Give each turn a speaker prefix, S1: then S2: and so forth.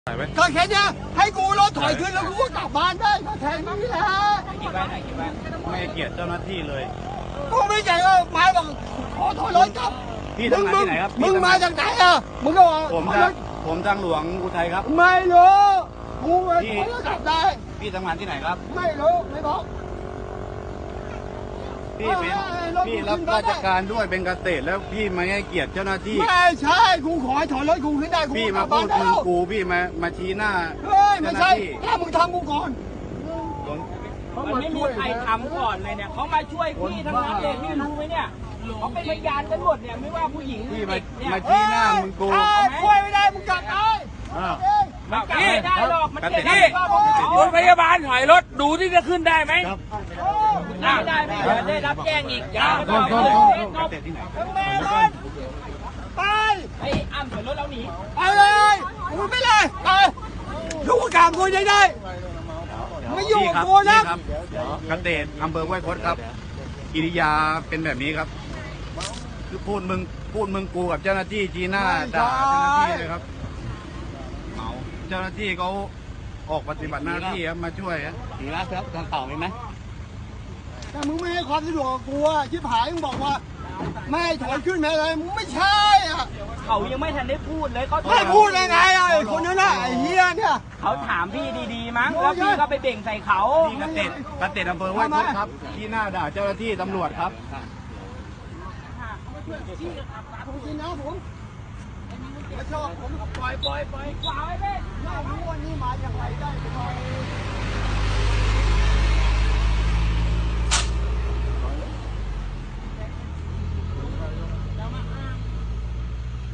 S1: ก็แค่นี้ให้กูรถถอยขึ้นแล้วกูก็กลับบ้านได้ก็แค่นี้แหละ
S2: ไม่เกียรติเจ้าหน้าที่เลย
S1: กูไม่ใจว่าไม้บอกขอถอยรถกลับ
S2: พี่ทำงานที่ไหนครับ
S1: มึงมาจากไหนอ่ะมึงก็บอก
S2: ผมทางหลวงอุทัยครับ
S1: ไม่รู้กูถอยรถกลับได้
S2: พี่ทำงานที่ไหนครับ
S1: ไม่รู้ไม่บอก
S2: พี่รับราชการด้วยเป็นเกษตรแล้วพี่มาให้เกียรติเจ้าหน้าที่
S1: ไม่ใช่กูขอให้ถอยรถกูขึ้นได้
S2: พี่มาพูดมึงกูพี่มาชี้หน้า
S1: เจ้าหน้าที่ถ้ามึงทำกูก่อน
S3: มันไม่มีใครทำก่อนเลยเนี่ยเขามาช่วยพี่ทั้งนั้นเลยพี่รู้ไหมเนี่ยเขาเป็นพยานกันหมดเนี่ยไม่ว่าผู้หญิง
S2: พี่มาชี้หน้ามึงกู
S1: ช่วยไม่ได้มึงกลับได้
S3: มันกลับไม่ได้หรอกมันเจ็บที่
S4: รถพยาบาลถอยรถดูที่จะขึ้นได้ไหม
S3: ได้ไม่ได้รับแจ้งอีกอย่าไป
S1: ไป
S3: ไอ้อ้ำถอยรถแล้วหนี
S1: ไปเลยมึงไปเลยไปลูกกลางกูได้ไม่อยู่กับกูนะ
S2: เกษตรอำเภอห้วยคดครับกิริยาเป็นแบบนี้ครับคือพูดมึงกูกับเจ้าหน้าที่จีน่าด่าเจ้าหน้าที่เลยครับเมาเจ้าหน้าที่เขาออกปฏิบัติหน้าที่ครับมาช่วยครับ
S4: ดีแล้วครับทางเต่ามีไหม
S1: แต่มึงไม่ให้ความสะดวกกับกูอ่ะชิบหายมึงบอกว่าไม่ถอยขึ้นไม่อะไรมึงไม่ใช่อ่ะ
S3: เขายังไม่ทันได้พูดเลยเขา
S1: ไม่พูดยังไงอ่ะไอ้คนนั้นน่ะไอ้เฮียเนี่ย
S3: เขาถามพี่ดีๆมั้งแล้วพี่ก็ไปเบ่งใส่เขา
S2: เกษตรอำเภอห้วยคดครับที่หน้าด่าเจ้าหน้าที่ตำรวจครับ
S1: ผมกินนะผมไม่ชอบผมปล่อย
S3: ขวาไว้เพ่
S1: ไม่รู้ว่านี่มาอย่างไรได้ไป